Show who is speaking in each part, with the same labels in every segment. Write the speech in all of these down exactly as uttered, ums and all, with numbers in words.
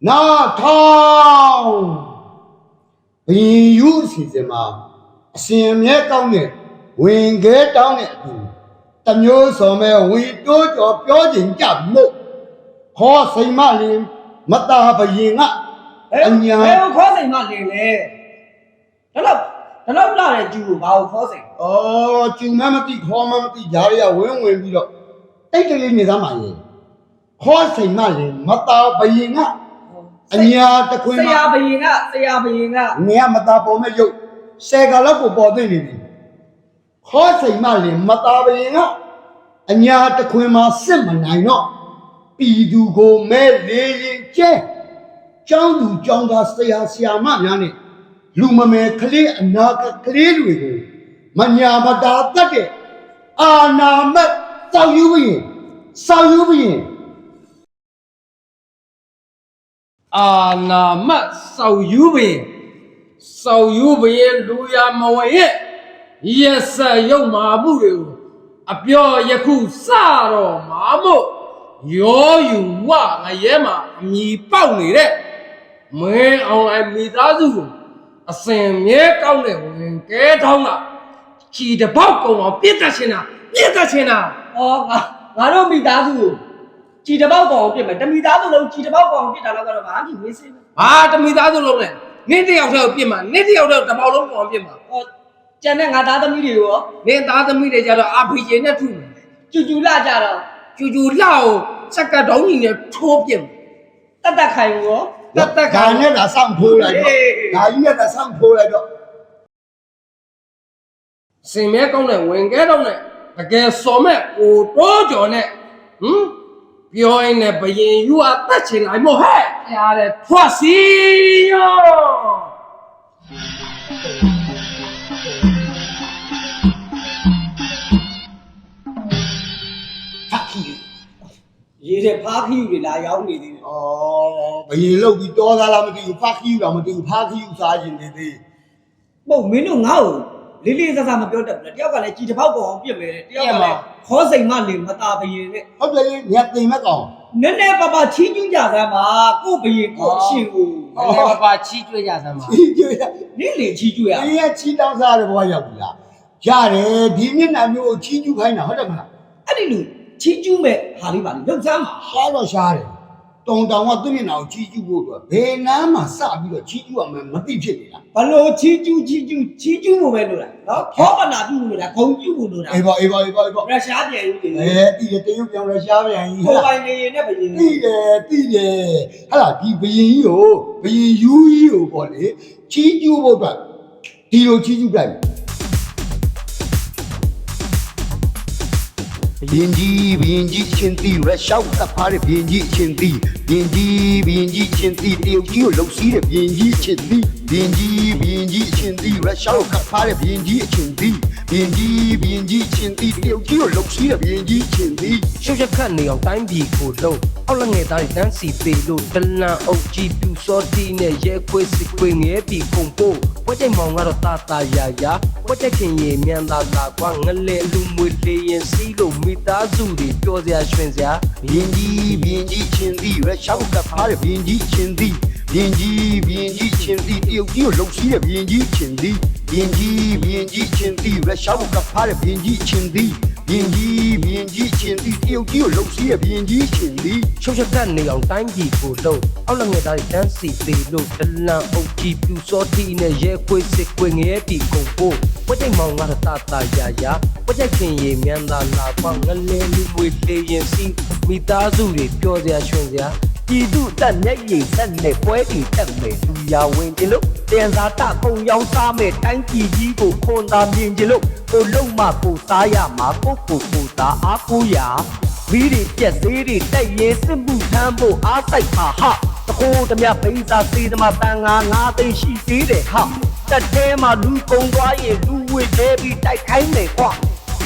Speaker 1: နာထောင်ဘင်းယူစီစဉ်မှာအစဉ်အမြဲကောင်းတဲ့ဝင်ခဲတောင်းတဲ့အတူတမျိုးစော်မဲ့ဝီတိုးကြော်ပြောခြင်းကြမို့ခေါ်စိမ်မလင်မတာဘရင်ကအညာ
Speaker 2: ဘယ်ကိုခေါ်စိမ်မလင်လဲဒါတော့ဒါတော့လာတဲ့ကျူကိုဘာကိုခေါ်စိမ်
Speaker 1: ဩကျူမမတိခေါ်မမတိဂျားရဝင်းဝင်ပြီးတော့တိတ်တလေးနေသားမှာရေခေါ်စိမ်မလင်မတာဘရင်ကအညာတခွင်
Speaker 2: ဆ
Speaker 1: မှာ
Speaker 2: ရာဘရင်ကဆရာဘရင်က
Speaker 1: နေရမတာပေါ်မဲ့ရုပ်ဆယ်ကလောက်ကိုပေါ်သိနေပြီခေါ်စိမ်မလင်မတာဘရင်ကအညာတခွင်မှာစစ်မနိုင်တော့ပြည်သူကိုမဲလေးရင်ကျဲကျောင်းသူကျောင်းသားဆရာဆရာမများနဲ့လူမမယ်ကလေးအနာကလေးတွေကိုမညာမတာတတ်တဲ့အာနာမတ်စောက်ယူပြီးစောက်ယူပြီး
Speaker 3: အာနာမတ်စောက်ယူပင်စောက်ယူပင်လူရမဝရဲ့ရက်ဆက်ရုပ်မာမှုတွေကိုအပြောယခုစတော့မာမို့ရောယူဝငရဲမှာအမြည်ပေါက်နေတဲ့မင်းအောင်လိုက်မိသားစုကိုအစင်မြဲကောင်းတဲ့ဝင်ကဲထောင်းကချီတပေါက်ကုံအောင်ပြစ်တတ်ချင်တာပြစ်တတ်ချင်တာ
Speaker 2: ဩငါငါတို့မိသားစုကိုကြည်တပေါက်ကောင်ပြစ်မယ်တမိသားစုလုံးကြည်တပေါက်ကောင်ပြစ်တာတော့ကတော့ဘာမှမဝေးစေဘူး
Speaker 3: ဘာတမိသားစုလုံးလဲနင်းတယောက်တည်းကိုပြစ်မှာနင်းတယောက်တည်းတပေါက်လုံးကောင်ပြစ်မှာ
Speaker 2: ဩကျန်တဲ့ငါသားသမီးတွေရော
Speaker 3: နင်းသားသမီးတွေကြတော့အာဖေကျင်နဲ့ထုမယ်
Speaker 2: ကျူကျူလာကြတော့
Speaker 3: ကျူကျူလှကိုစက်ကတုံးကြီးနဲ့ထိုးပြစ်မယ်
Speaker 2: တတ်တတ်ခိုင်ရော
Speaker 3: တတ်တက်က
Speaker 1: ဒါနဲ့ဒါစောင့်ထိုးလိုက်တော့ဒါကြီးနဲ့ဒါစောင့်ထိုးလိုက်တော့
Speaker 3: စင်မဲကောင်းတဲ့ဝင်ကဲတော့နဲ့တကယ်စော်မဲ့ကိုတိုးကြော်နဲ့ဟမ်ပြောရင်လည်းဘယင်ယူအသက်ချင်လိုက်မို့ဟဲ့ရားတဲ့ထွက်စီယော
Speaker 1: ဖတ်ခီ
Speaker 2: ရေးတဲ့ဖားခီးတွေလာရောက်နေသေးတယ်
Speaker 1: ဩဘယင်လုတ်ပြီးတောသားလားမသိဘူးဖတ်ခီတော့မသိဘူးဖတ်ခီစားခြင်းနေသေး
Speaker 2: မဟုတ်မင်းတို့ငါ့ကိုလေးလေးစားစားမပြောတတ်ဘူးလေတယောက်ကလည်းကြည်တပေါက်ကောင်ပြစ်မယ်တယောက်ကလည်းခေါ်စိမ်မလင်မတာဘရင်နဲ့
Speaker 1: ဟုတ်တယ်လေညက်သိမ်မဲ့ကောင်
Speaker 2: နည်းနည်းပါးပါချီးကျူးကြစမ်းပါကို့ဘရင်ကို့အရှင်ကို
Speaker 3: နည်းနည်းပါးပါချီးကျွေးကြစမ်းပါ
Speaker 1: ချီကျွေးရ
Speaker 2: နင်းလေချီးကျူးရ
Speaker 1: အေးရချီတောင်းစားတဲ့ဘဝရောက်ပြီလားရတယ်ဒီမျက်နှာမျိုးကိုချီကျူးခိုင်းတာဟုတ်တယ်မလား
Speaker 2: အဲ့ဒီလူချီးကျူးမဲ့ဟာလေးပါလေလောက်စမ်းပါ
Speaker 1: ရှားတော့ရှားတယ်တုံတောင်ကသူ့မျက်နှာကိုချီကျူးဖို့အတွက်ဘယ်နားမှာစပြီးတော့ချီကျူးရမယ်မသိဖြစ်နေတာ
Speaker 2: ဘလို့ချီးကျူးချီးကျူးချီးကျူးဖို့ပဲလို့လားနော်ခေါပနာပြုလို့လားဂုံပြုလို့လို့လား
Speaker 1: အေးပါအေးပါအေးပါအေးပါ
Speaker 2: ရုရှားပြန်ယူတယ်
Speaker 1: အဲတီးတယ်တရုတ်ပြောင်းလဲရှားပြန်ကြီး
Speaker 2: ကိုပိုင်နေရင်နဲ့ဘရင်
Speaker 1: တီးတယ်တီးတယ်ဟာလာဒီဘရင်ကြီးကိုဘရင်ယူကြီးကိုပေါ့လေချီကျူးဖို့အတွက်ဒီလိုချီကျူးလိုက်ဘင်းကြီးဘင်းကြီးချင်းတီရရှောက်တဖားတဲ့ဘင်းကြီးချင်းတီဘင်းကြီးဘင်းကြီးချင်းတီတရုတ်ကြီးကိုလှုပ်စီးတဲ့ဘင်းကြီးချင်းတီဘင်းကြီးဘင်းကြီးချင်းတီရရှောက်ကဖားတဲ့ဘင်းကြီးချင်းတီဘင်းကြီးဘင်းကြီးချင်းတီတရုတ်ကြီးကိုလှုပ်စီးတဲ့ဘင်းကြီးချင်းတီ
Speaker 3: ရှုပ်ရက်ခတ်နေအောင်တိုင်းပြည်ကိုလုံးအောက်လက်ငယ်သားတွေတန်းစီပေလို့တလန်အုပ်ကြီးပြူစောတီနဲ့ရဲခွေးစစ်ခွေးငဲပြီးခုံပို့ဝက်ကြိမ်မောင်ကတော့တာတာယာယာဝက်ကြိမ်ခင်ရေမြန်သာသာကွာငလဲအလူမွေလေးရင်စီးလို့မိသားစုတွေပျော်စရာရွှင်စရာ
Speaker 1: ဘင်းကြီးဘင်းကြီးချင်းတီရရှောက်ကဖားတဲ့ဘင်းကြီးချင်းတီဘင်းကြီးဘင်းကြီးချင်းတီတရုတ်ကြီးကိုလှုပ်စီးတဲ့ဘင်းကြီးချင်းတီဘင်းကြီးဘင်းကြီးချင်းတီရရှောက်ကဖားတဲ့ဘင်းကြီးချင်းတီဘင်းကြီးဘင်းကြီးချင်းတီတရုတ်ကြီးကိုလှုပ်စီးတဲ့ဘင်းကြီးချင်းတီ
Speaker 3: ရှုပ်ရက်ခတ်နေအောင်တိုင်းပြည်ကိုလုံးအောက်လက်ငယ်သားတွေတန်းစီပေလို့တလန်အုပ်ကြီးပြူစောတီနဲ့ရဲခွေးစစ်ခွေးငဲပြီးခုံပို့ဝက်ကြိမ်မောင်ကတော့တာတာယာယာဝက်ကြိမ်ခင်ရေမြန်သာလာကွာငလဲလူမွေလေးရင်စီးမိသားစုတွေပျော်စရာရွှင်စရာ
Speaker 2: ပြည်သူတက်မျက်ရည်တက်နဲ့ပွဲတီတက်မယ်လူရဝင်ကြလို့တန်စားတကုံရောင်းစားမယ်တိုင်းပြည်ကြီးကိုခွန်သာမြင်ကြလို့ကိုလုံးမကိုစားရမှာကိုကိုကိုသားအားကိုးရမီးတွေပြက်သေးတွေတက်ရင်စစ်မှုထမ်းဖို့အားစိုက်ပါဟာတခိုးတမပိစာစေးသမားတန်ငါငါသိရှိသေးတယ်ဟာတက်ထဲမှာလူကုံသွားရင်လူဝစ်သေးပြီးတိုက်ခိုင်းမယ်ကွာ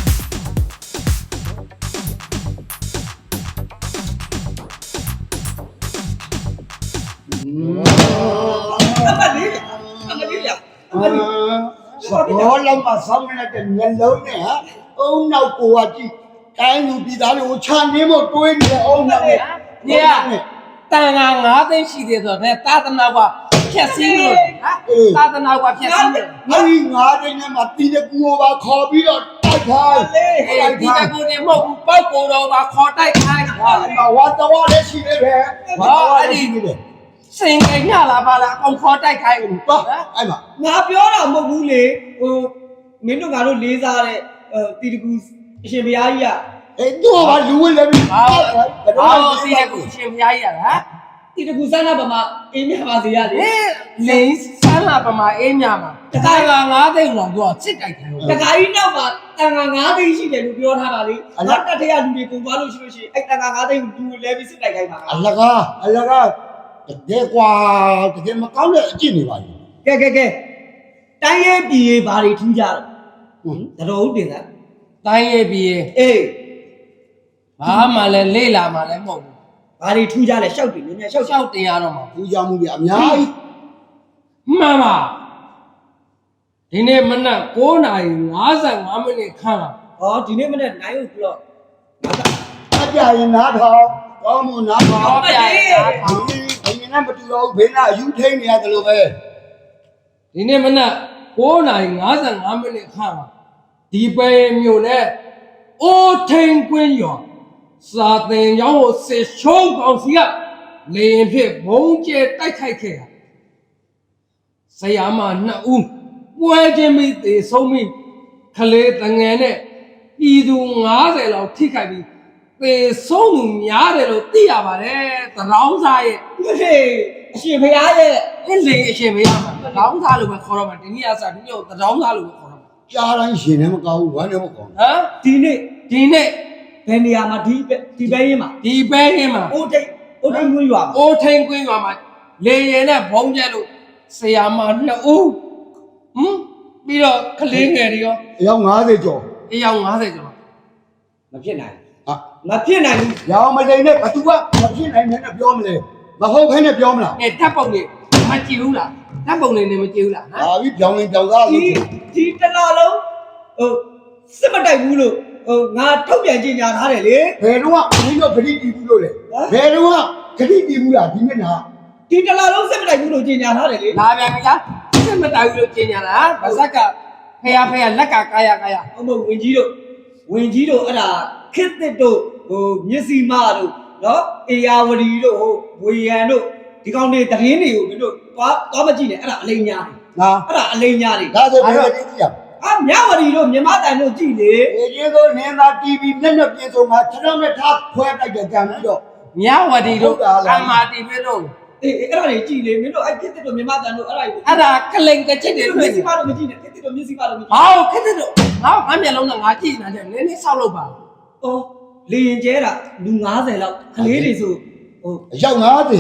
Speaker 2: အမလေးအမလေးအမလေး
Speaker 1: ဘောလုံးမှာဆောင်းနေတဲ့မျက်လုံးနဲ့ဟာအုံနောက်ကိုကကြည့်တိုင်းလူပြည်သားတွေကိုခြံရင်းဖို့တွေးနေတဲ့အုံနောက်နဲ့
Speaker 2: ညေ တ
Speaker 3: န်ငါငါးသိန်းရှိသေးဆိုတော့သာသနာ့ကဖြက်စီးလို့ဟာသာသနာ့ကဖြက်စီးတယ်
Speaker 1: ငါဒီငါးသိန်းနဲ့မှတီးတဲ့ကူကိုပါခေါ်ပြီးတော့တိုက်ခိုင်း
Speaker 3: အေးဒီကကိုနေမဟုတ်ဘူးပောက်ကိုတော့ပါခေါ်တိုက်ခိုင်း
Speaker 1: ဟာဝါတော်လည်းရှိနေတယ်ဝါတော်လည်းရှိနေတယ်
Speaker 3: စင်ကညလာပါလားအကောင်ခေါ်တိုက်ခိုင်းဘူး
Speaker 1: ပါအဲ့မှာ
Speaker 4: ငါပြောတာမဟုတ်ဘူးလေဟိုမင်းတို့ငါတို့လေးစားတဲ့တီတကူအရှင်ဘုရားကြီးက
Speaker 1: အေးတော့ဘာလူဝင်လည်းပြီ
Speaker 3: ဟာဟာစီးတဲ့ကိုရှင်ဖျားကြီးရတာ
Speaker 4: တီတကူစမ်းတာပါမအင်းမြပါစေရလေ
Speaker 3: ဟဲ့လင်းဆန်းလာပမာအေးမြမှာတခါကငါးသိန်းလောက်တော့စစ်တိုက်တယ်လို့
Speaker 4: တခါကြီးနောက်မှာတန်ခါငါးသိန်းရှိတယ်လို့ပြောထားတာလေငါတက်ထရလူတွေကုန်သွားလို့ရှိလို့ရှိရင်အဲ့တန်ခါငါးသိန်းကိုလူလဲပြီးစစ်တိုက်ခိုင်းပါ
Speaker 1: အလကားအလကားတကယ်ကွာတကယ်မကောင်းတဲ့အကျင့်တွေပါလေ
Speaker 4: ကဲကဲကဲတိုင်းရဲပြည်ရေးဘာတွေထူးကြတော့ဟင်တတော်ဦးတင်သား
Speaker 3: တိုင်းရေးပြီး
Speaker 4: အေး
Speaker 3: ဘာမှလည်းလေ့လာမှလည်းမဟုတ်ဘူး
Speaker 4: ဘာတွေထူးကြလဲရှောက်တယ်မြန်မြန်ရှောက်
Speaker 3: လျှောက်တင်ရတော့မှာ
Speaker 1: ပူကြမှုတွေအများကြီး
Speaker 3: မှန်ပါဒီနေ့မနက်9နာရီ55မိနစ်ခန့်လာ
Speaker 4: ဟောဒီနေ့မနေ့နိုင်ဦးဘလော့
Speaker 1: အကြရင်နားထောင်ကောင်းမနားထောင်
Speaker 3: ဟောပြရ
Speaker 1: ဘယ်နဲ့မတူတော့ဘေးနာအယူထိန်နေရတယ်လို့ပဲ
Speaker 3: ဒီနေ့မနက်9နာရီ55မိနစ်ခန့်လာဒီပဲမြို့နဲ့အိုးထိန်ကွင်းရောစာတင်ကျောင်းကိုစစ်ချုံးကောင်စီကလေရင်ဖြစ်ဘုံကျဲတိုက်ခိုက်ခဲ့တာဆရာမနှစ်ဦးပွဲချင်းမိသေးဆုံးမိခလေးတငယ်နဲ့ပြည်သူ90လောက်ထိခိုက်ပြီးသေဆုံးသူများတယ်လို့သိရပါတယ်တရောင်းစားရဲ့
Speaker 4: ဟေးအရှင်ဘုရားရဲ့
Speaker 3: အင်းလေအရှင်မေးရမှာတရောင်းစားလို့ပဲခေါ်တော့မှာဒီနေ့အစားဒီနေ့တရောင်းစားလို့ပဲခေါ်တော့မှာ
Speaker 1: ကြားတိုင်းရှင်လည်းမကောင်းဘူးဝမ်းလည်းမကောင်း
Speaker 3: ဟမ်
Speaker 4: ဒီနေ့
Speaker 3: ဒီနေ့
Speaker 4: ဘယ်နေရာမှာဒီဒီပဲရင်မှာ
Speaker 3: ဒီပဲရင်းမှာ
Speaker 4: အိုးတိတ်အိုးတိတ်ငွေရွာမှာ
Speaker 3: အိုးထိန်ကွင်းရွာမှာလေရင်နဲ့ဘုံကျဲလို့ဆရာမနှစ်ဦးဟမ်ပြီးတော့ကလေးငယ်တွေရော
Speaker 1: အယောက်90ကျော်
Speaker 3: အယောက်50ကျော်
Speaker 4: မဖြစ်နိုင်
Speaker 1: ဟာ
Speaker 4: မဖြစ်နိုင်ဘူး
Speaker 1: ရောင်မလိန်နဲ့ဘသူကမဖြစ်နိုင်နဲ့ပြောမလဲမဟုတ်ခဲနဲ့ပြောမလား
Speaker 3: အဲဓာတ်ပုံတွေမကြည့်ဘူးလားဓာတ်ပုံတွေနဲ့မကြည့်ဘူးလားဟမ်
Speaker 1: ဟာပြီးပြောင်းရင်ပြောင်းသား
Speaker 4: ဒီ
Speaker 1: လို့
Speaker 4: ဒီတလားလုံးဟိုစစ်မတိုက်ဘူးလို့ဟိုငါထုတ်ပြန်ကြေညာထားတယ်လေ
Speaker 1: ဘယ်တော့မှမင်းတို့ဂတိတီးဘူးလို့လေဘယ်တော့မှဂတိတီးဘူးလားဒီနေ့နာ
Speaker 4: ဒီတလားလုံးစစ်မတိုက်ဘူးလို့ကြေညာထားတယ်လေ
Speaker 3: လာပြန်ပြီလားစစ်မတိုင်ဘူးလို့ကျင်ညာလားဗဇက်ကဖះဖះလက်ကကာယကာယ
Speaker 4: ဟုတ်မဟုတ်ဝင်ကြီးတို့ဝင်ကြီးတို့အဲ့ဒါခစ်တစ်တို့ဟိုမျက်စိမတို့နော်အေယာဝတီတို့ဟိုဝေယံတို့ဒီကောင်တွေတရင်တွေကိုမင်းတို့သွားသွားမကြည့်နဲ့အဲ့ဒါအလိမ်ညာတွေ
Speaker 1: ငါ
Speaker 4: အဲ့ဒါအလိမ်ညာတွေ
Speaker 1: ဒါဆိုဘယ်လိုကြည့်ရ
Speaker 4: အာမြဝတီတို့မြမတိုင်တို့ကြည့်လေ
Speaker 1: မလဲဒီလိုနင်းသာ တီဗီ မျက်နှာပြင်ဆုံးမှာခြေထောက်နဲ့ထားခွဲတိုက်တဲ့ကြံပြီးတော့
Speaker 3: မြဝတီတို့အမာတီပဲတို့
Speaker 4: အေးအဲ့ဒါတွေကြည့်လေမင်းတို့အဲ့ခစ်တစ်တို့မြမတိုင်တို့အဲ့ဒါတွေ
Speaker 3: အဲ့ဒါကလိန်ကချစ်
Speaker 4: ဒီ
Speaker 3: တွေ
Speaker 4: လို
Speaker 3: တွေ့
Speaker 4: မျက်စိ
Speaker 3: နေ
Speaker 4: မတော့မကြည့်နဲ့ခစ်တစ်တို့မျက်စိမတော့မကြည့်
Speaker 3: ဟောခက်တဲ့တို့ငါငါမျက်လုံးနဲ့ငါကြည့်နေတယ်နည်းနည်းဆောက်လုပ်ပါ
Speaker 4: အော်လေရင်ကျဲတာလူ90လောက်ကလေးတွေဆိုဟို
Speaker 1: အယောက်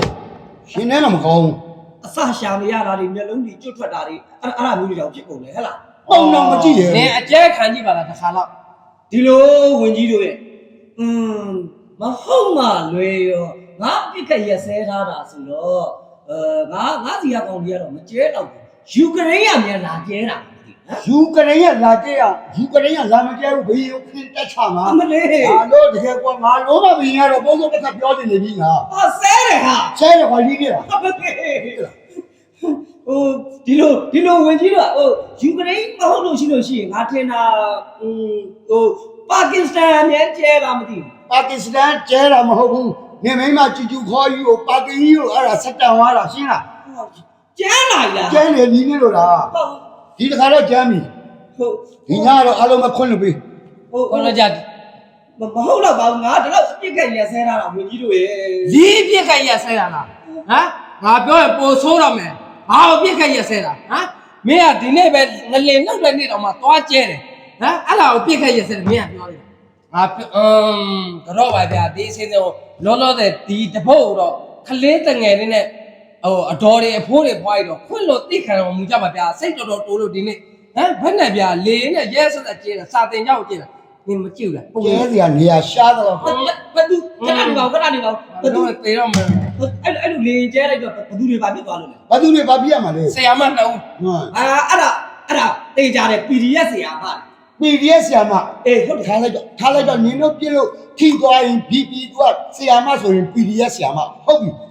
Speaker 1: 90ရှင်နဲ့တော့မကောင်းဘူး
Speaker 4: အစရှာမရတာတွေမျက်လုံးတွေကျွတ်ထွက်တာတွေအဲ့အဲ့ဒါမျိုးတွေတော့ဖြစ်ကုန်တယ်ဟဲ့လား
Speaker 1: ပုံတော့မကြည့်ရ
Speaker 3: နင်းအကျဲခံကြည့်ပါလားတစ်ခါတော့
Speaker 4: ဒီလိုဝင်ကြီးတို့ရဲ့อืมမဟုတ်မှလွယ်ရောငါပြစ်ခက်ရက်ဆဲထားတာဆိုတော့အဲငါငါစီရကောင်ကြီးကတော့မကျဲတော့ဘူးယူကရိန်းကမြန်လာကျဲတာမသိဟမ်
Speaker 1: ယူကရိန်းကလာကြည့်အောင်ယူကရိန်းကလာမကြဲဘူးဘေးရုပ်ခင်းတက်ချမှာ
Speaker 4: အမလေး
Speaker 1: ဟာလို့တကယ်ကွာငါလုံးမဘင်းရတော့ဘုံဆုံးတစ်ခါပြောနေနေပြီငါ
Speaker 4: ဟာဆဲတယ်ဟာ
Speaker 1: ဆဲရခွာလီးနေတာ
Speaker 4: အမလေးဟိုဒီလိုဒီလိုဝင်ကြီးတို့ကဟိုယူကရိန်းမဟုတ်လို့ရှိလို့ရှိရင်ငါထင်တာอืมဟိုပါကစ္စတန်အမြန်ကျဲတာမသိဘူး
Speaker 1: ပါကစ္စတန်ကျဲတာမဟုတ်ဘူးနေမိမချူချူခေါ်ယူကိုပါကင်ကြီးကိုအဲ့ဒါဆက်တန်သွားတာရှင်းလား
Speaker 4: ကျန်းလာလား
Speaker 1: ကျဲနေလီးနေလို့လား
Speaker 4: ဟုတ်
Speaker 1: ဒီတစ်ခါတော့ကျမ်းပြီ
Speaker 4: ဟုတ်
Speaker 1: ဒီညတော့အားလုံးမခွင့်လို့ပြီ
Speaker 4: ဟုတ်
Speaker 3: ခေါ်လို့ကြ
Speaker 4: မမဟုတ်တော့ပါဘူးငါဒီလောက်အပြစ်ခက်ရက်ဆဲထားတာဝင်ကြီးတို့ရဲ့
Speaker 3: လီးပြက်ခက်ရက်ဆဲတာလားဟမ်ငါပြောရင်ပိုဆိုးတော့မယ်ဘာလို့ပြက်ခက်ရက်ဆဲတာဟမ်မင်းကဒီနေ့ပဲငလင်နောက်တဲ့နေ့တော့မှသွားကျဲတယ်ဟမ်အဲ့ဒါကိုပြက်ခက်ရက်ဆဲတယ်မင်းကပြောတယ်ငါအမ်ကတော့ပါဗျာဒီအစင်းတော့လောလောဆယ်ဒီတပုတ်တော့ခလေးတငယ်လေးနဲ့ဟိုအတော်တွေအဖိုးတွေဖွားရတော့ခွင့်လို့တိခံတော်မူကြပါဗျာစိတ်တော်တော်တိုးလို့ဒီနေ့ဟမ်ဘယ်နဲ့ဗျာလေနဲ့ရဲဆက်ဆက်ကျဲတာစာတင်ကြောက်ကျဲတာနင်မကြည့်ဘူးလားပုံ
Speaker 1: ကျဲစရာနေရာရှားတော့
Speaker 4: ဘဘသူခဏနေပါခဏနေပါဘသူ
Speaker 3: တော့တေတော့မယ်
Speaker 4: အဲ့အဲ့လိုလေကျဲလိုက်တော့ဘသူတွေပါပြစ်သွားလို့လဲ
Speaker 1: ဘာသူတွေဘာပြရမှာလဲ
Speaker 3: ဆရာမနှစ်ဦး
Speaker 1: ဟမ်
Speaker 4: အာအဲ့ဒါအဲ့ဒါတေးကြတယ် ပီ ဒီ အက်ဖ် ဆရာပါ
Speaker 1: ပီဒီအက်ဆရာမ
Speaker 4: အေးဟုတ်တယ်
Speaker 1: ထားလိုက်တော့ထားလိုက်တော့နင်တို့ပြလို့ထိသွားရင် ဘီ ပီ ကဆရာမဆိုရင် ပီ ဒီ အက်ဖ် ဆရာမဟုတ်ပြီ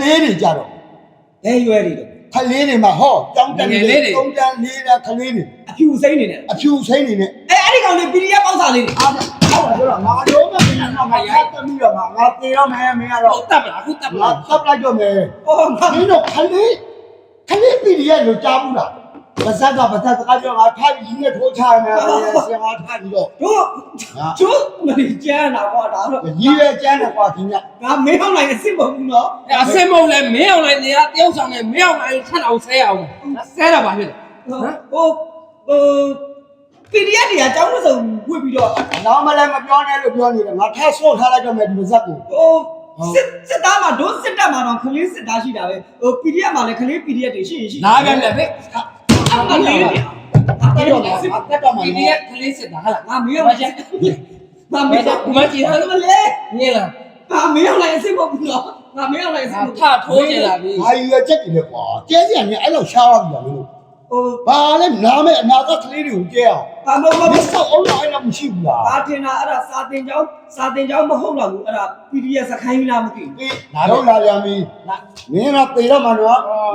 Speaker 1: လေးတွေကြတော့
Speaker 4: ဘယ်ရွယ်တွေတော့
Speaker 1: ခလေးတွေမှာဟောကြောင်းတန်းလေးတုံးတန်းလေးတဲ့ခလေးတွေ
Speaker 4: အဖြူစိမ့်နေတယ်
Speaker 1: အဖြူစိမ့်နေနဲ့
Speaker 4: အဲအဲ့ဒီကောင်လေးပီဒီအက်ပေါက်စာလေးတွေ
Speaker 1: အားဟုတ်ပါတော့ငါတော့မင်းကငါရိုက်တမီးတော့ငါငါတေတော့မယ်မင်းကတော့
Speaker 3: ဟုတ်တပ်လားအခုတပ်
Speaker 1: ငါ
Speaker 3: လား
Speaker 1: သတ်လိုက်တော့မယ်
Speaker 4: အော်ငါ
Speaker 1: မင်းတို့ခလေးခလေးပီဒီရဲ့လို့ကြားဘူးလားပါဇက်ကပါဇက်ကပြောငါထားပြီးနဲ့ထိုးချရမယ်ဆရာထားပြီးတော့
Speaker 4: တို့ကျိုးမလေးကျန်းတာကွာဒါတော့
Speaker 1: ကြီးရဲကျန်းတယ်ကွာဒီည
Speaker 4: ငါမင်းအောင်လိုက်အစ်စ်မဟုတ်ဘူးနော်
Speaker 3: အစင်မုံလဲမင်းအောင်လိုက်နေရတယောက်ဆောင်နေမင်းအောင်လိုက်ဆက်အောင်ဆဲအောင်ဆဲတာပါဖြစ်တယ်
Speaker 4: ဟိုဟိုပီဒီအက်တွေကကျောင်းမစုံဝစ်ပြီးတော့
Speaker 1: နောက်မလည်းမပြောနဲ့လို့ပြောနေတယ်ငါထပ်ဆွတ်ထားလိုက်တော့မယ်ဒီပါဇက်ကို
Speaker 4: ဟိုစစ်စစ်သားမှာဒုစစ်တပ်မှာတော့ခလေးစစ်သားရှိတာပဲဟို ပီဒီအက် မှာလည်းခလေး ပီဒီအက် တွေရှိရင်ရှိ
Speaker 3: လာပြန်လေဖေး
Speaker 4: အမလေးတွေ
Speaker 1: တက်တော့မယ်တက်တော့မယ်
Speaker 3: ဒီနေ့ကလေးစစ်တာဟာလား
Speaker 4: ငါမင်းအောင်လိုက်ငါမင်းအောင်
Speaker 3: မကြည့်ရ
Speaker 4: မလေး
Speaker 3: ညင်လား
Speaker 4: ငါမင်းအောင်လိုက်အစ်စ်မဟုတ်ဘူးနော်ငါမင်းအောင်လိုက်အစ်စ်မဟုတ်
Speaker 3: ထထိုးချင်လာပြီ
Speaker 1: ဟာရွယ်ချက်တယ်လေကွာကျဲစရာနဲ့အဲ့လိုရှားသွားပြီလားမင်းတို့
Speaker 4: ဟို
Speaker 1: ဘာလဲနားမဲ့အနာကကလေးတွေကိုကျဲအောင်
Speaker 4: ဘာမဟုတ်
Speaker 1: မ
Speaker 4: ဘူး
Speaker 1: ဆောက်အောင်လည်းအဲ့လိုမရှိဘူးလား
Speaker 4: ဘာတင်တာအဲ့ဒါစာတင်ကြောင်းစာတင်ကြောင်းမဟုတ်တော့ဘူးအဲ့ဒါ ပီဒီအက် စခိုင်းလားမသိဘူး
Speaker 1: အေးတော့လာပြန်ပြီမင်းကပေတော့မှာနော်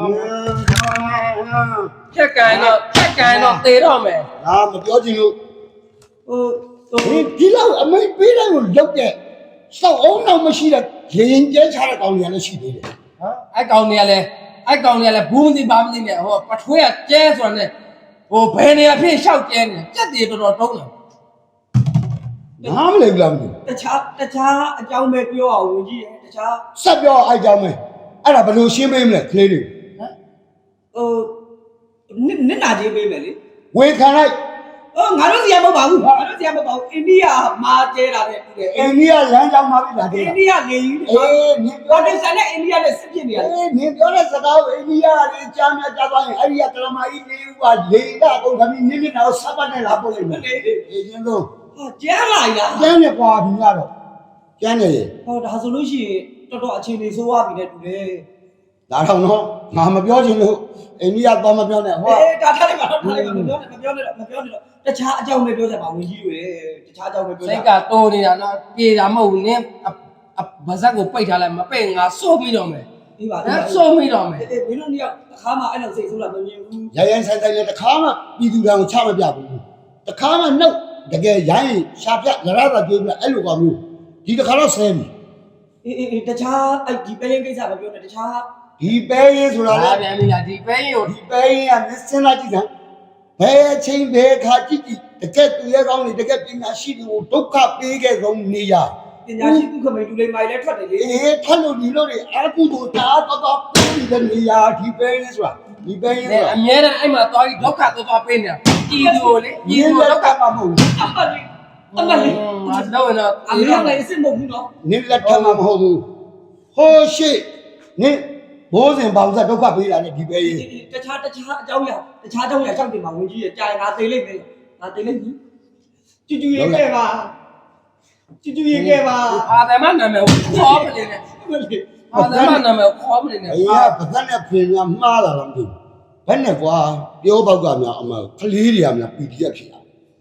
Speaker 3: ဖြက်ကန်တော့ဖြက်ကန်တော့သေတော့မယ်
Speaker 1: ငါမပြောချင်လို့
Speaker 4: ဟိုဟို
Speaker 1: ဒီဒီလောက်အမိတ်ပေးတယ်ကိုလောက်တဲ့ဆောက်အောင်တော့မရှိတဲ့ရင်ကျဲချတဲ့ကောင်တွေကလည်းရှိသေးတယ်
Speaker 3: ဟမ်အဲ့ကောင်တွေကလည်းအဲ့ကောင်တွေကလည်းဘူးမသိပါမသိနဲ့ဟောပထွေးကကျဲဆိုတာနဲ့ဟိုဘယ်နေရာဖြစ်ရှောက်ကျဲနေကြက်တွေတော်တော်တုံးတယ်
Speaker 1: နားမလည်ဘူးလားမသိ
Speaker 4: တခြားတခြားအကြောင်းပဲပြောအောင်ဝင်ကြည့်ရတခြား
Speaker 1: ဆက်ပြောအဲ့ကြောင်းမဲအဲ့ဒါဘယ်လိုရှင်းပေးမလဲကလေးတွေ
Speaker 4: ဟိုနစ်နစ်နာချင်းပေးမယ်လေ
Speaker 1: ဝေခံလိုက်
Speaker 4: ဟိုငါတို့စီရမဟုတ်ပါဘူးငါတို့စီရမဟုတ်ပါဘူးအိန္ဒိယမှာကျဲတာတဲ့တူတယ်
Speaker 1: အိန္ဒိယလမ်းကြောင်းမှာပြီလား
Speaker 4: အိ
Speaker 1: တဲ့
Speaker 4: န္ဒိယလေကြီး
Speaker 1: အေးနင်
Speaker 4: ဘာ
Speaker 1: ပြော
Speaker 4: တ
Speaker 1: တဲ့
Speaker 4: န်ဆန်နဲ့အိန္ဒိယနဲ့စစ်ဖြစ်နေရတယ်
Speaker 1: အေးနင်ပြောတဲ့စကားကိုအိန္ဒိယလေးကြားများကြားသွားရင်အဲ့ဒီကကလမာကြီးလေးဦးကလေကအကုန်ခမင်းနင်းနေတာကိုစပတ်နဲ့လာပို့လိုက်မယ်အေးချင်းဆုံး
Speaker 4: ဟာကျဲလာရလား
Speaker 1: ကျန်းနေကွာဒီကတော့ကျန်းနေရေ
Speaker 4: ဟောဒါဆိုလို့ရှိရင်တော်တော်အခြေအနေဆိုးသွားပြီတဲ့တူတယ်
Speaker 1: ဒါတော့နော်ငါမပြောချင်လို့အိန္ဒိယသွားမပြောနဲ့ဟော
Speaker 4: အေးဒါထားလိုက်ပါတော့ထားလိုက်ပါမပြောနဲ့မပြောနဲ့တော့မပြောနဲ့တော့တခြားအကြောင်းပဲပြောကြပါဝင်ကြီးတွေတခြားအကြောင်းပဲပြောကြ
Speaker 3: စိတ်ကတိုးနေတာနော်ပြေတာမဟုတ်ဘူးနင်းဗဇက်ကိုပိတ်ထားလိုက်မပိတ်ငါစိုးပြီးတော့မယ်
Speaker 4: ပြီးပါ
Speaker 3: ဟမ်စိုးပြီးတော့မယ်
Speaker 4: အေးမင်းတို့နှစ်ယောက်အခါမှအဲ့လိုစိတ်ဆိုးလာမမြင်ဘူး
Speaker 1: ရရန်ဆိုင်ဆိုင်နဲ့တခါမှပြည်သူတော်ကိုချမပြဘူးတခါမှနှုတ်တကယ်ရိုင်းရှာပြရရတာကြွေးပြအဲ့လိုကောင်မျိုးဒီတခါတော့ဆဲပြီ
Speaker 4: အေးအေးတခြားအဲ့ဒီပဲရင်ကိစ္စမပြောနဲ့တခြား
Speaker 1: ဒီပဲရေးဆိုတာလေ
Speaker 3: လာပြန်ပြီလားဒီပဲရင်ကို
Speaker 1: ဒီပဲရေးကမစင်းလာကြည့်စမ်းဘယ်အချိန်ဘယ်ခါကြည့်ကြည့်တကယ်သူရဲ့ကောင်းနေတကယ်ပညာရှိတွေကိုဒုက္ခပေးခဲ့ဆုံးနေရ
Speaker 4: ပညာရှိသူခမိန်လူလိမ္မာလည်းထွက်တယ်လေ
Speaker 1: အေးထက်လို့ဒီလိုတွေအာကုတို့တာတော့တော့ပြီးတဲ့နေရာဒီပဲရေးဆိုတာဒီပဲရေးဆိုတာ
Speaker 3: အမြဲတမ်းအဲ့မှာသွားပြီးဒုက္ခသွားသွားပေးနေတာပြည်သူကိုလေ
Speaker 1: ဒီ
Speaker 3: ပြည်သူ
Speaker 1: လို
Speaker 3: ဒုက္ခ
Speaker 1: ကမှမဟုတ်ဘူး
Speaker 4: အမလေးအမလေး
Speaker 3: ငါတော့ရင်တော့
Speaker 4: အမေလည်းအစ်စ်မဟုတ်ဘူးနော်
Speaker 1: နင်းလက်ထက်မှမဟုတ်ဘူးဟိုးရှိနင်းဘိုးစဉ်ပေါင်းဆက်ဒုက္ခပေးတာနဲ့ဒီပဲရေး
Speaker 4: တခြားတခြားအကြောင်းရတခြားအကြောင်းရရှောက်တင်မှာဝင်ကြီးရကြာရင်ငါသိလိမ့်မယ်ငါသိလိမ့်မယ်ကျူကျူရေးခဲ့ပါကျူကျူရေးခဲ့ပါ
Speaker 3: အာသမနာမည်ကိုခေါ်မနေနဲ့
Speaker 4: အမလေး
Speaker 3: အာသမနာမည်ကိုခေါ်မနေနဲ့
Speaker 1: အေးကဗဇက်နဲ့ဖင်များမှားလာတော့မသိဘူးဘယ်နဲ့ကွာပြောပေါက်ကများအမကလေးတွေကများပီတီရက်ဖြစ်လာ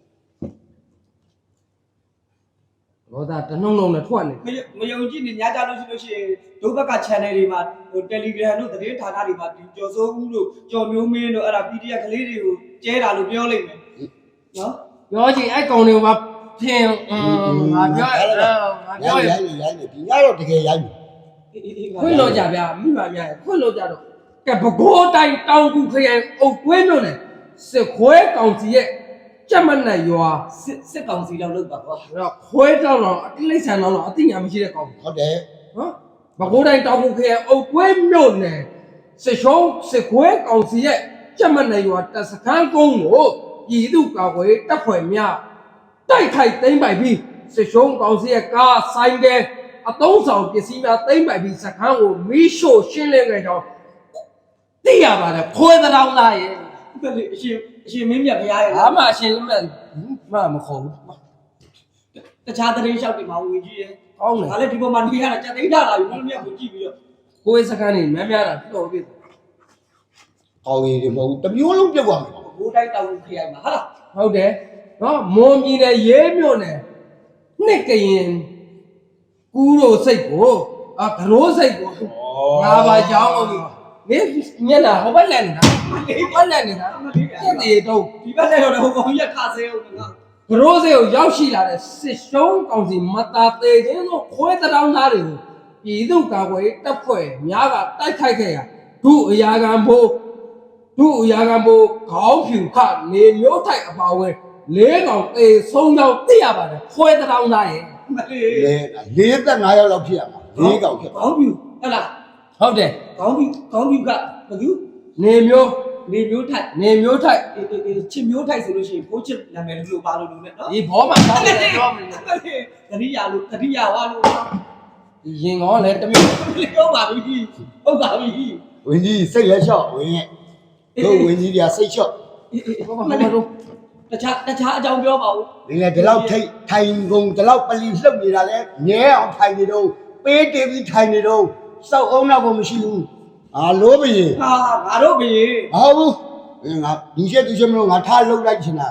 Speaker 3: ဘောသားတနှုံလုံးနဲ့ထွက်နေ
Speaker 4: မယုံကြည်နေညကြလို့ရှိလို့ရှိရင်ဒုဘက်က channel တွေမှာဟို Telegram တို့သတင်းဌာနတွေမှာဒီကြော်စိုးဦးတို့ကြော်မျိုးမင်းတို့အဲ့ဒါ ပီ ဒီ အက် ကလေးတွေကိုကျဲတာလို့ပြောလိုက်မယ်နော်
Speaker 3: ပြောချင်အဲ့ကောင်တွေကဖြင်းငါပြောငါ
Speaker 1: ရို
Speaker 3: ပြော
Speaker 1: င်းရိုင်းရိုင်းနေဒီညတော့တကယ်ရိုင်းနေ
Speaker 3: ခွင့်လို့ကြဗျာမိမများခွင့်လို့ကြတော့ကဲဘကိုးတိုင်းတောင်ကူခရိုင်အုတ်ကွင်းမြို့နယ်စစ်ခွဲကောင်စီရဲ့ကြက်မနဲ့ရွာ
Speaker 4: စစ်စစ်ကောင်စီလောက်လုပ်ပါကွာ
Speaker 3: တော့ခွဲတောင်းတော့အတိလိษံတော့အတိညာမရှိတဲ့ကောင်
Speaker 1: ဟုတ်တယ်
Speaker 3: နော်ဘကိုးတိုင်းတောင်ကူခရိုင်အုတ်ကွင်းမြို့နယ်စစ်ရှုံးစစ်ခွဲကောင်စီရဲ့ကြက်မနဲ့ရွာတပ်စခန်းကုန်းကိုပြည်သူ့ကာကွယ်တပ်ဖွဲ့များတိုက်ခိုက်သိမ်းပိုက်ပြီးစစ်ရှုံးကောင်စီရဲ့ကားဆိုင်ကအသုံးဆောင်ပစ္စည်းများသိမ်းပိုက်ပြီးစခန်းကိုမီးရှို့ရှင်းလင်းခဲ့ကြောင်းသိရပါတယ်ခွဲတောင်းသားရဲ့
Speaker 4: ဘယ်လိုအရှင်အရှင်မင်းမြတ်ဘုရားရဲ့
Speaker 3: ဘာမှအရှင်းလက်မမခေါ်ဘူး
Speaker 4: တခြားသတင်းလျှောက်တွေမှာဝင်ကြီးရဲ့
Speaker 3: ကောင်းတယ်
Speaker 4: ဒါလည်းဒီပေါ်မှာနေရတာကြက်သိမ်းတာလာပြီမင်းမြတ်ကိုကြည့်ပြီးတော့
Speaker 3: ကိုယ်စခန်းနေများများတာတော်ပြီ
Speaker 1: ကောင်းရင်ဒီမဟုတ်ဘူးတမျိုးလုံးပြုတ်သွားမယ်
Speaker 4: ဘိုးတိုင်းတောင်ခရိုင်မှာဟာလား
Speaker 3: ဟုတ်တယ်နော်မွန်ပြည်နယ်ရဲမြို့နယ်နှစ်ကရင်ကူးတို့စိတ်ကိုအာကရိုးစိတ်ကိုငါပါကြောင်းလို့မင်းမျက်နှာဟိုဘက်လက်နေတာဟိုဘက်လက်နေတာပြက်သေးတော့
Speaker 4: ဒီဘက်လည်းတော့ဟိုကောင်ကြီးခါစေအောင်ငါ
Speaker 3: ဘရိုးစေကိုရောက်ရှိလာတဲ့စစ်ရှုံးကောင်စီမတာသေးခြင်းတို့ခွဲတောင်းသားတွေကိုပြည်သူ့ကာကွယ်တပ်ဖွဲ့များကတိုက်ခိုက်ခဲ့ရဒုအရာခံဘိုးဒုအရာခံဘိုးခေါင်းဖြူခနေမျိုးထိုက်အပါဝင်လေးကောင်အေးဆုံးရောက်သိရပါတယ်ခွဲတောင်းသားရဲ့
Speaker 4: မလေး
Speaker 1: လေလေးသက်၅ယောက်လောက်ဖြစ်ရမှာလေးကောင်ဖြစ်
Speaker 4: ခေါင်းပြူဟဲ့လား
Speaker 3: ဟုတ်တယ်
Speaker 4: ခေါင်းပြူခေါင်းပြူကဘသူ
Speaker 3: နေမျိုး
Speaker 4: နေမျိုးထိုက်
Speaker 3: နေမျိုးထိုက်
Speaker 4: ချစ်မျိုးထိုက်ဆိုလို့ရှိရင်ဘိုးချစ်နာမည်လို့ပါလို့လို့နဲ့နော်
Speaker 3: ဒီဘောမှာတောင်းတယ်ပြောမလို့
Speaker 4: တတိယလို့တတိယဝါလို့
Speaker 3: ရင်ကောလည်းတမျိုး
Speaker 4: ဟုတ်ပါပြီဟုတ်ပါပြီ
Speaker 1: ဝင်းကြီးစိတ်လက်လျှော့ဝင်းရဲ့တို့ဝင်းကြီးတွေကစိတ်လျှော့
Speaker 3: ဘောမှာမလို့
Speaker 4: တခြားတခြားအကြောင်းပြောပါဦး
Speaker 1: ဒီလေဒီလောက်ထိတ်ထိုင်ကုန်ဒီလောက်ပလီလှုပ်နေတာလဲမြဲအောင်ထိုင်နေတော့ပေးတေးပြီးထိုင်နေတော့စောက်အောင်တော့မရှိဘူးအာလို့ဘရင်
Speaker 4: ဟာငါတို့ဘီ
Speaker 1: ဟောဘူးငါဒီချက်ဒီချက်မလို့ငါထားလှုပ်လိုက်ချင်တာ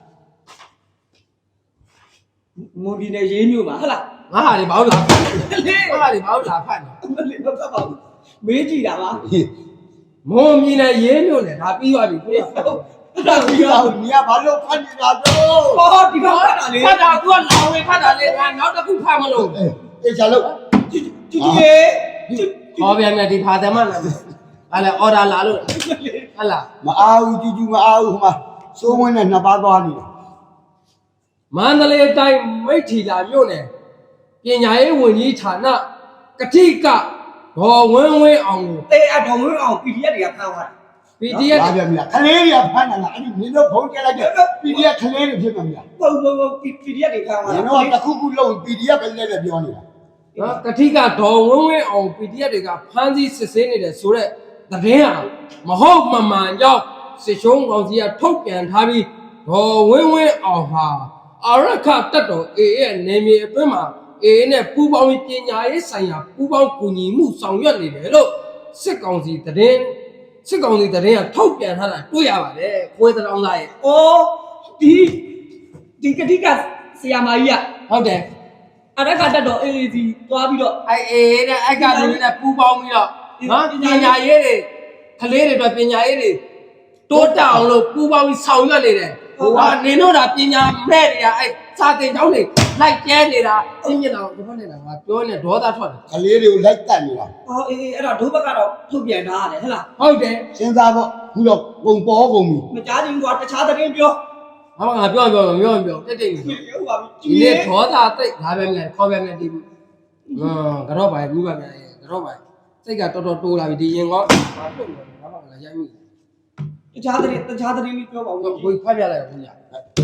Speaker 4: မွန်ပြည်နယ်ရေးမြို့မှာဟုတ်လား
Speaker 3: ငါဟာဒီဘာလို့လာဖတ်
Speaker 4: လေ
Speaker 3: ငါဟာဒီဘာလို့လာဖတ်နေ
Speaker 4: မလေးတော့ပါဘူးမေးကြည့်တာပါ
Speaker 3: မုံမြင်နဲ့ရေးမြို့နဲ့ဒါပြီးသွားပြီကို
Speaker 4: ဟုတ်ဒါပြီး
Speaker 1: ဒီ
Speaker 4: တော့
Speaker 1: တော့မြာဘာလို့ဖတ်နေတာတော့
Speaker 4: ဟောဒီကောင်ကလေ
Speaker 3: ဖတ်တာသူကလောင်ဝင်ဖတ်တာလေငါနောက်တစ်ခုဖတ်မလို့
Speaker 1: အေးချာလို့
Speaker 4: ကြည့်ကြည့်ကြည့်
Speaker 3: ဟောပြန်ပြန်ဒီဖာတယ်မလားဟာလေအော်ဒါလာလို့ဟလာ
Speaker 1: မအားဘူးကြူးကြူးမအားဘူးဟိုမှာစိုးဝင်းနဲ့နှစ်ပါးသွားနေတယ်
Speaker 3: မန္တလေးတိုင်းမိထီလာမြို့နယ်ပညာရေးဝန်ကြီးဌာနကတိကဒေါ်ဝင်းဝင်းအောင်ကို
Speaker 4: အေးအတော်ဝင်းအောင် ပီ ဒီ အက်ဖ် တွေကဖမ်းသွားတာ
Speaker 3: ပီဒီအက်ဖ်
Speaker 1: ဘာပြန်မလားခလေးတွေကဖမ်းတာလားအဲ့ဒီမင်းတို့ဖုန်းကြလိုက်တဲ့ ပီ ဒီ အက်ဖ် ခလေးတွေဖြစ်မှာမလား
Speaker 4: ပုံပုံပုံ ပီ ဒီ အက်ဖ် တွေဖမ်းသွား
Speaker 1: ကျွန်
Speaker 4: တာ
Speaker 1: တော်ကတစ်ခုခုလုံး ပီ ဒီ အက်ဖ် ပဲလည်းပြောနေတာ
Speaker 3: နော်ကတိကဒေါ်ဝင်းဝင်းအောင် ပီ ဒီ အက်ဖ် တွေကဖမ်းဆီးစစ်ဆေးနေတယ်ဆိုတော့သတင်းဟာမဟုတ်မမှန်ကြောင့်စစ်ရှုံးကောင်စီကထုတ်ပြန်ထားပြီးဒေါ်ဝင်းဝင်းအောင်ဟာအာရခတက်တော် အေ ရဲ့နေမြေအတွင်းမှာ အေ နဲ့ပူးပေါင်းပြီးပညာရေးဆိုင်ရာပူးပေါင်းကူညီမှုဆောင်ရွက်နေတယ်လို့စစ်ကောင်စီသတင်းစစ်ကောင်စီသတင်းကထုတ်ပြန်ထားတာတွေ့ရပါတယ်ခွဲတောင်းသားရဲ့
Speaker 4: အော်ဒီဒီကတိကဆရာမကြီးက
Speaker 3: ဟုတ်တယ်
Speaker 4: အရကတက်တော့အေးဒီသွားပြီးတော့
Speaker 3: အဲအေနဲ့အဲ့ကလူတွေနဲ့ပူးပေါင်းပြီးတော့နော်ပညာရေးတွေကလေးတွေအတွက်ပညာရေးတွေတိုးတက်အောင်လို့ပူးပေါင်းပြီးဆောင်ရွက်နေတယ်ဟိုကနေတော့ဒါပညာမဲ့တွေကအဲ့စာသင်ကျောင်းတွေလိုက်ကျဲနေတာအင်းမြင်တော့ဒီဘက်နေတာငါပြောနေဒေါသထွက်တယ်
Speaker 1: ခလေးတွေကိုလိုက်တက်နေတာ
Speaker 4: အော်အေးအေးအဲ့တော့ဒုဘက်ကတော့ထုတ်ပြန်ထားရတယ်ဟဲ့လား
Speaker 3: ဟုတ်တယ်
Speaker 1: စဉ်းစားဖို့ခုတော့ပုံပေါ်ကုန်ပြီ
Speaker 4: မကြားချင်းကွာတခြားသတင်းပြော
Speaker 3: ငါငါပြောပြောပြောပြောတက်တက်နေ
Speaker 4: ဟုတ်ပါပြီ
Speaker 3: ဒီနေ့ဒေါသတိတ်လာပဲမြန်ခေါ်ပဲမြန်ဒီဟမ်ကတော့ပါဘူးပါမြန်ကတော့ပါစိတ်ကတော်တော်တိုးလာပြီဒီရင်ကောဘာဖြစ်လဲဘာမှမလာရိုက်မိ
Speaker 4: တခြားသတင်းတခြားသတင်းလေးပြောပါဦး
Speaker 3: ဘူးကိုဖတ်ပြလိုက်ဘူးညာ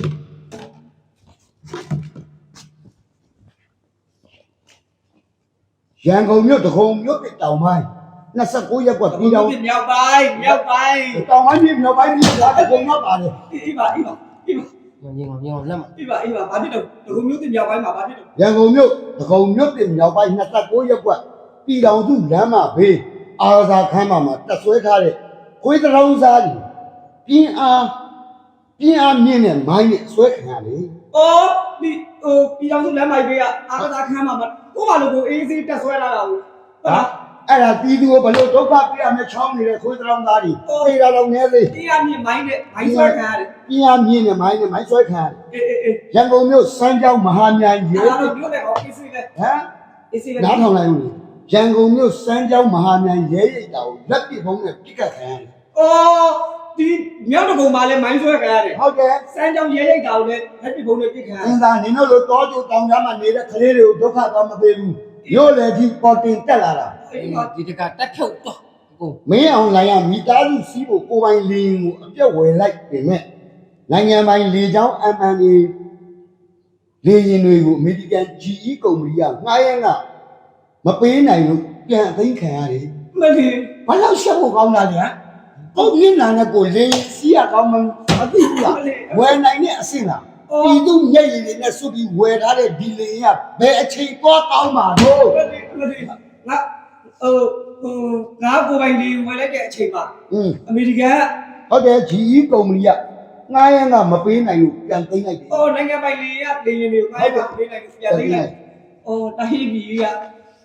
Speaker 1: ရန်ကုန်မြို့တခုံမြို့ပြတောင်ပိုင်းနှစ်ဆယ့်ကိုးရက်ကွက်ပြည်တော်
Speaker 4: မြောက်ပိုင်းမြောက်ပိုင်း
Speaker 1: တောင်ပိုင်းပြည်မြောက်ပိုင်းပြည်ကတခုံရောက်ပါတယ်
Speaker 4: အေးပါအေးပါအေးပါ
Speaker 3: ငင်းငင်းလက်မ
Speaker 4: အေးပါအေးပါဘာဖြစ်တော့ဒုမျိုးတင်မြောက်ပိုင်းမှာဘာဖြစ်တော့
Speaker 1: ရန်ကုန်မြို့တခုံမြို့ပြမြောက်ပိုင်းနှစ်ဆယ့်ကိုးရက်ကွက်ပြည်တော်စုလမ်းမဘေးအာသာခမ်းမမှာတက်ဆွဲထားတဲ့ခွေးတောင်စားကြီးပြင်းအားပြင်းအားမြင့်တဲ့မိုင်းနဲ့ဆွဲခံရလေ
Speaker 4: အော်ဒီဟိုပြည်တော်စုလမ်းမိုက်ဘေးကအာသာခန်းမှာကိုမလိုကိုအေးစေးတက်ဆွဲလာတာဟုတ်
Speaker 1: ဟာအဲ့ဒါပြည်သူကိုဘလို့ဒုက္ခပြရမယ်ချောင်းနေတဲ့ခွေးတောင်သားကြီးအေးတာတော့နည်းသေး
Speaker 4: တရားမြင့်မိုင်းနဲ့မိုင်းဆွဲခံရတယ်
Speaker 1: ပြင်းအားမြင့်တဲ့မိုင်းနဲ့မိုင်းဆွဲခံရတယ်
Speaker 4: အေးအေးအေး
Speaker 1: ရန်ကုန်မြို့စမ်းကြောင်းမဟာမြိုင်ရဲ
Speaker 4: အဲ့တော့ပြောတယ်ဟောအေးစေးလဲ
Speaker 1: ဟမ်
Speaker 4: အေးစေးလဲ
Speaker 1: နားထောင်လိုက်ဦးလေရန်ကုန်မြို့စမ်းကြောင်းမဟာမြိုင်ရဲရိတ်တာကိုလက်ပစ်ဖုံးနဲ့ပြစ်ကတ်ခံရတယ်
Speaker 4: အော်ဒီမြောက်တကုံမှာလဲမိုင်းဆွဲခံရတယ်
Speaker 1: ဟုတ်တယ်
Speaker 4: စမ်းကြောင်းရဲရိတ်တာကိုလည်းဟက်ပီဘုံနဲ့ပြစ်ခံရ
Speaker 1: အင်းသားနင်တို့လိုတောကျိုတောင်ကြားမှာနေတဲ့ကလေးတွေကိုဒုက္ခသွားမပေးဘူးမြို့လေကြီးပေါ်တင်တက်လာတာ
Speaker 3: ဒီတကတက်ဖြုတ်တော့ကို
Speaker 1: မင်းအောင်လိုင်ရမိသားစုစီးဖို့ကိုပိုင်လင်းကိုအပြတ်ဝယ်လိုက်ပြင်မဲ့နိုင်ငံပိုင်လေကြောင်း အမ် အမ် အေ လေရင်တွေကိုအမေရိကန် ဂျီ အီ ကုမ္ပဏီကငှားရမ်းကမပေးနိုင်လို့ပြန်အသိမ်းခံရတယ်
Speaker 4: မလီ
Speaker 1: ဘာလို့ရှက်ဖို့ကောင်းတာလဲကိုမြင်လာတဲ့ကိုလေစီးရကောင်းမှမသိဘူးလားဝယ်နိုင်တဲ့အဆင့်လားဒီသူမျက်ရည်တွေနဲ့စွပ်ပြီးဝယ်ထားတဲ့ဒီလေကဘယ်အချိန်သွားကောင်းမှာတော့
Speaker 4: မလီမလီငါဟိုဟိုငါကိုပိုင်လေးဝင်လိုက်တဲ့အချိန်မှာ
Speaker 1: อืม
Speaker 4: အမေရိကန်က
Speaker 1: ဟုတ်တယ် ဂျီ အီ ကုမ္ပဏီကငှားရမ်းကမပေးနိုင်လို့ပြန်သိမ်းလိုက်တယ်
Speaker 4: အော်နိုင်ငံပိုင်လေးကလေရင်တွေကိုငါ့ကိုပေးလိုက်ပြန်သိလိုက်အော်တိုင်းပြည်ကတ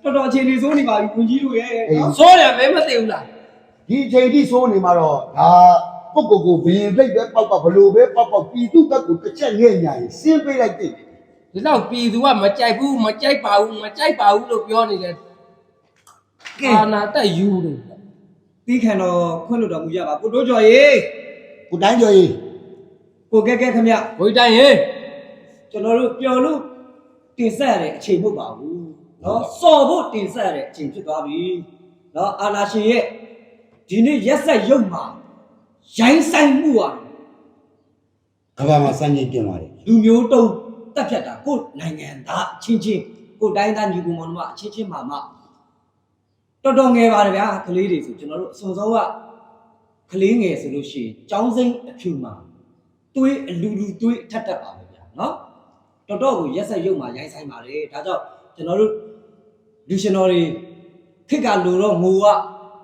Speaker 4: တော်တော်အခြေအနေဆိုးနေပါပြီဝန်ကြီးတို့ရဲ့နော်
Speaker 3: စောတယ်မဲမသိဘူးလား
Speaker 1: ဒီအချိန်ထိဆိုးနေမှာတော့ဒါပုတ်ကိုကိုဘရင်ပြိတ်ပဲပေါက်ပေါက်ဘလို့ပဲပေါက်ပေါက်ပြည်သူဘက်ကိုတစ်ချက်ငဲ့ညာရင်စင်းပေးလိုက်တဲ့
Speaker 3: ဒီတော့ပြည်သူကမကြိုက်ဘူးမကြိုက်ပါဘူးမကြိုက်ပါဘူးလို့ပြောနေတယ်အာနာတက်ယူတယ်
Speaker 4: တီးခံတော့ခွင့်လွှတ်တော်မူကြပါကိုတိုးကျော်ရေ
Speaker 1: ကိုတိုင်းကျော်ကြီး
Speaker 4: ကိုကဲကဲခမရ
Speaker 3: ဘိုးတိုင်းရေ
Speaker 4: ကျွန်တော်တို့ပျော်လို့တင်ဆက်ရတဲ့အချိန်မဟုတ်ပါဘူးနော်စော်ဖို့တင်ဆက်ရတဲ့အချိန်ဖြစ်သွားပြီနော်အာနာရှင်ရဲ့ဒီနေ့ရက်ဆက်ရုပ်မှာရိုင်းဆိုင်မှုอ่ะ
Speaker 1: ကဘာမှာစမ်းကြည့်ပြင်ပါတယ်
Speaker 4: လူမျိုးတုံးတက်ဖြတ်တာကိုနိုင်ငံသားအချင်းချင်းကိုတိုင်းသားညီကောင်မောင်တို့အချင်းချင်းမှာမှတော်တော်ငယ်ပါတယ်ဗျာကလေးတွေဆိုကျွန်တော်တို့အစုံဆုံးကကလေးငယ်ဆိုလို့ရှိရင်ចောင်းစိမ့်အဖြူမှာတွေးအလူလူတွေးထက်တက်ပါပဲဗျာနော်တော်တော်ကိုရက်ဆက်ရုပ်မှာရိုင်းဆိုင်ပါတယ်ဒါကြောင့်ကျွန်တော်တို့လူရှင်တော်တွေခေတ်ကလူတော့ငိုက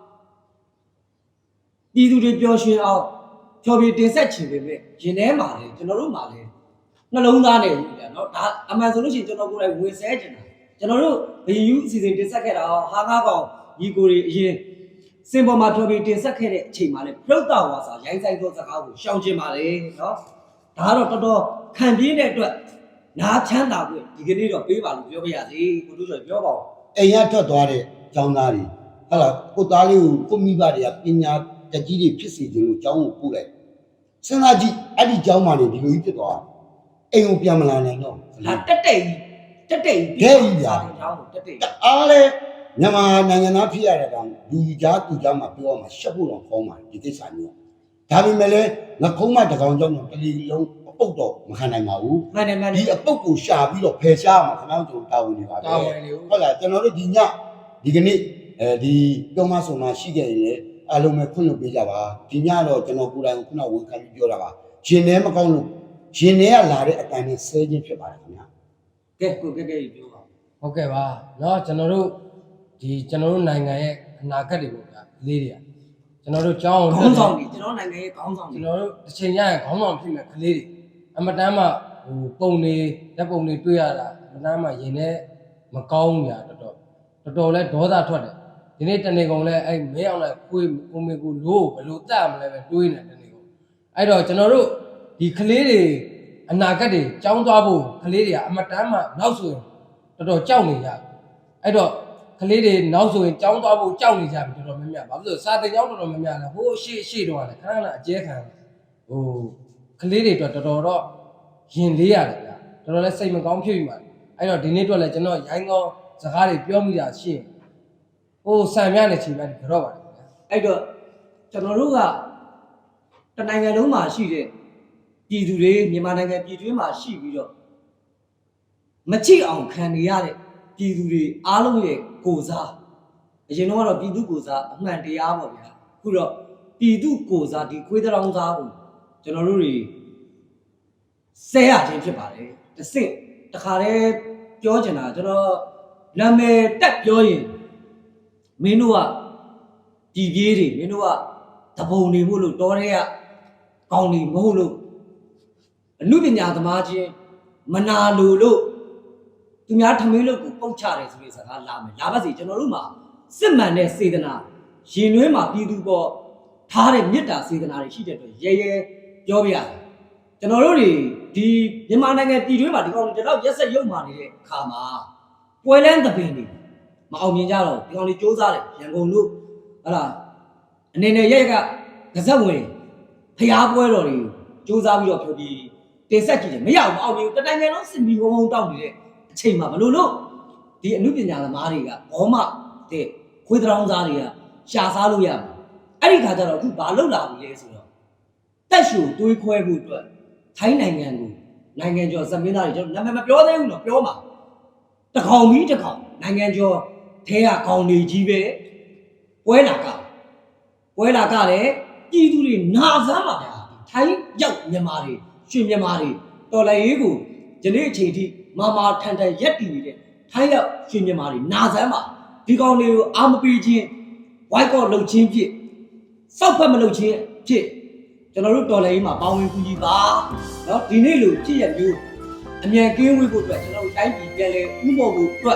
Speaker 4: ပြည်သူတွေပျော်ရွှင်အောင်ဖြော်ပြတင်ဆက်ချင်ပေမဲ့ရင်ထဲမှာလေကျွန်တော်တို့မှာလေနှလုံးသားနဲ့ဘူးဗျာနော်ဒါအမှန်ဆိုလို့ရှိရင်ကျွန်တော်ကိုယ်တိုင်ဝင်ဆဲချင်တာကျွန်တော်တို့ဘီယူအစီအစဉ်တင်ဆက်ခဲ့တာဟာငါးကောင်ညီကိုတွေအရင်စင်ပေါ်မှာဖြော်ပြတင်ဆက်ခဲ့တဲ့အချိန်မှာလေပရုတ်တော်ဝါစာရိုင်းဆိုင်သောစကားကိုရှောင်ကျင်ပါလေနော်ဒါကတော့တော်တော်ခံပြင်းတဲ့အတွက်နားချမ်းသာဖို့ဒီကနေ့တော့ပေးပါလို့ပြောပြရစီကိုတို့ကျော်ပြောပါဦး
Speaker 1: အိမ်ရထွက်သွားတဲ့ကျောင်းသားတွေဟုတ်လားကိုသားလေးကိုကိုမိဘတွေကပညာတကြီးတွေဖြစ်စီခြင်းလို့ကျောင်းကိုပို့လိုက်စဉ်းစားကြည့်အဲ့ဒီကျောင်းမှာနေဒီလိုကြီးဖြစ်သွားအိမ်ကိုပြန်မလာနိုင်တော့
Speaker 4: ဒါတက်တက်ကြီးတက်တက်ကြီးကျောင်းကိုတက်တက်
Speaker 1: အားလေမြန်မာနိုင်ငံသားဖြစ်ရတဲ့ကောင်လူကြားသူကြားမှာပြောမှာရှက်ဖို့တော့ကောင်းပါတယ်ဒီကိစ္စမျိုးဒါပေမဲ့လည်းငကုံးမတကောင်ကျောင်းတော့တလီလုံးအပုတ်တော့မခံနိုင်ပါဘူး
Speaker 4: မှန်တယ်မှန်တ
Speaker 1: ဒီ
Speaker 4: ယ်
Speaker 1: အပုတ်ကိုရှာပြီးတော့ဖယ်ရှားမှာခင်ဗျားတို့တာဝန်နေပါပဲဟုတ်လားကျွန်တော်တို့ဒီညဒီကနေ့အဲဒီပြောမဆုံမရှိခဲ့ရင်လည်းအလုံးမဲ့ခွင့်လွှတ်ပေးကြပါဒီညတော့ကျွန်တော်ကိုယ်တိုင်ခုနဝန်ခံပြီးပြောတာပါရှင်ထဲမကောင်းလို့ရှင်ထဲကလာတဲ့အတိုင်းနဲ့ဆဲခြင်းဖြစ်ပါတယ်ခင်ဗျာ
Speaker 4: ကဲကိုကဲကဲပြောပါ
Speaker 3: ဟုတ်ကဲ့ပါเนาะကျွန်တော်တို့ဒီကျွန်တော်တို့နိုင်ငံရဲ့အနာဂတ်တွေပေါ့ဗျာလေးတွေကကျွန်တော်တို့ကြောင်း
Speaker 4: ခေါင်းဆောင်ကြီးကျွန်တော်နိုင်ငံရဲ့ခေါင်းဆောင်
Speaker 3: ကျွ
Speaker 4: ကြီး
Speaker 3: န်တော်တို့တစ်ချိန်ရရင်ခေါင်းဆောင်ဖြစ်မဲ့ကလေးတွေအမတမ်းမှဟိုပုံနေလက်ပုံတွေတွေ့ရတာအမတမ်းမှရင်ထဲမကောင်းညာတော်တော်တော်တော်လဲဒေါသထွက်တယ်ဒီနေ့တနေ့ကုန်လဲအဲ့မဲအောင်လဲကိုယ်ကိုမေကိုလို့ဘယ်လိုတတ်မလဲပဲတွေးနေတယ်တနေ့ကုန်အဲ့တော့ကျွန်တော်တို့ဒီကလေးတွေအနာဂတ်တွေကြောင်းသွားဖို့ကလေးတွေကအမတမ်းမှနောက်ဆိုရင်တော်တော်ကြောက်နေကြအဲ့တော့ကလေးတွေနောက်ဆိုရင်ကြောင်းသွားဖို့ကြောက်နေကြပြီတော်တော်များများဘာဖြစ်လို့စာတင်ကြောင်းတော်တော်များများလဲဟိုအရှိအရှိတော့လဲခဏခဏအကျဲခံဟိုကလေးတွေတော့တော်တော်တော့ရင်လေးရတယ်ဗျာတော်တော်လဲစိတ်မကောင်းဖြစ်ပြီပါအဲ့တော့ဒီနေ့တော့လဲကျွန်တော်ရိုင်းကောင်းစကားတွေပြောမိတာရှိရင်ဟိုဆံမြနဲ့ချိန်လိုက်ကြော့ပါတယ်ဗျာ
Speaker 4: အဲ့တော့ကျွန်တော်တို့ကတနိုင်ငံလုံးမှာရှိတဲ့ပြည်သူတွေမြန်မာနိုင်ငံပြည်တွင်းမှာရှိပြီးတော့မချိအောင်ခံနေရတဲ့ပြည်သူတွေအားလုံးရဲ့ကိုစားအရင်တော့ပြည်သူကိုစားအမှန်တရားပေါ့ဗျာအခုတော့ပြည်သူကိုစားဒီခွေးတောင်စားကိုကျွန်တော်တို့တွေဆဲရခြင်းဖြစ်ပါတယ်တစ်စင့်တခါတည်းပြောချင်တာကျွန်တော်နာမည်တက်ပြောရင်မင်းတို့ကပြည်ပြေးတွေမင်းတို့ကတပုံနေမှုလို့တော်ရဲကကောင်းနေမဟုတ်လို့အမှုပညာသမားချင်းမနာလိုလို့သူများထမင်းလို့ကိုပုတ်ချတယ်ဆိုတဲ့စကားလာမယ်လာပါစေကျွန်တော်တို့မှာစစ်မှန်တဲ့စေတနာရင်နှွေးမှာပြည်သူပေါ်ထားတဲ့မေတ္တာစေတနာတွေရှိတဲ့အတွက်ရဲရဲပြောပြရတယ်ကျွန်တော်တို့တွေဒီမြန်မာနိုင်ငံပြည်တွင်းမှာဒီကောင်တွေတော့ရက်ဆက်ရုပ်မာနေတဲ့အခါမှာပွဲလန်းသပင်တွေမအောင်မြင်ကြတော့ဒီကောင်တွေစူးစမ်းတယ်ရန်ကုန်တို့ဟလာအနေနဲ့ရက်ကကစက်ဝင်ဖျားပွဲတော်တွေစူးစမ်းပြီးတော့ပြောပြီးတင်ဆက်ကြည့်တယ်မရဘူးမအောင်မြင်ဘူးတနိုင်ငံလုံးစစ်မီဝုံဝုံတောက်နေတဲ့အချိန်မှာဘလို့လို့ဒီအမှုပညာသမားတွေကဘောမတဲ့ခွေးတောင်စားတွေကရှာစားလို့ရမှာအဲ့ဒီခါကျတော့အခုဘာလုပ်လာပြီလဲဆိုတော့တက်ရှူတွေးခွဲဖို့အတွက်ထိုင်းနိုင်ငံကိုနိုင်ငံကျော်ဇမင်းသားတွေကျွန်တော်နာမည်မပြောသေးဘူးတော့ပြောမှာတကောင်ပြီးတကောင်နိုင်ငံကျော်ထဲကကောင်တွေကြီးပဲပွဲလာကပွဲလာကလည်းပြည်သူတွေနာစမ်းပါဗျာထိုင်းရောက်မြန်မာတွေရွှေမြန်မာတွေတော်လည်းရေးကိုယနေ့အချိန်ထိမာမာထန်ထန်ရက်တည်နေတဲ့ထိုင်းရောက်ရွှေမြန်မာတွေနာစမ်းပါဒီကောင်တွေကိုအာမပေးခြင်းဝိုက်ကော့လှုပ်ခြင်းဖြစ်စောက်ဖက်မလှုပ်ခြင်းဖြစ်ကျွန်တော်တို့တော်လည်းရေးမှာပေါင်းဝင်ကူကြီးပါเนาะဒီနေ့လိုဖြစ်ရမျိုးအမြန်ကင်းဝေးဖို့အတွက်ကျွန်တော်တို့တိုင်းပြည်ပြန်လဲဥမော်ဖို့အတွက်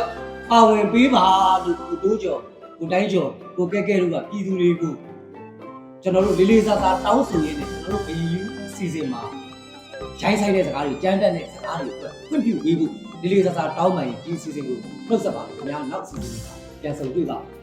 Speaker 4: ပါဝင်ပေးပါလို့ကိုတိုးကျော်ကိုတိုင်းကျော်ကိုကဲကဲတို့ကပြည်သူတွေကိုကျွန်တော်တို့လေးလေးစားစားတောင်းဆိုရင်းနဲ့ကျွန်တော်တို့ဘီယူစီစဉ်မှာရိုင်းဆိုင်တဲ့စကားတွေကြမ်းတက်တဲ့စကားတွေအတွက်ခွင့်ပြုပေးဖို့လေးလေးစားစားတောင်းပန်ရင်ဒီစီစဉ်ကိုနှုတ်ဆက်ပါခင်ဗျာနောက်စီစဉ်မှာပြန်ဆုံတွေ့ပါ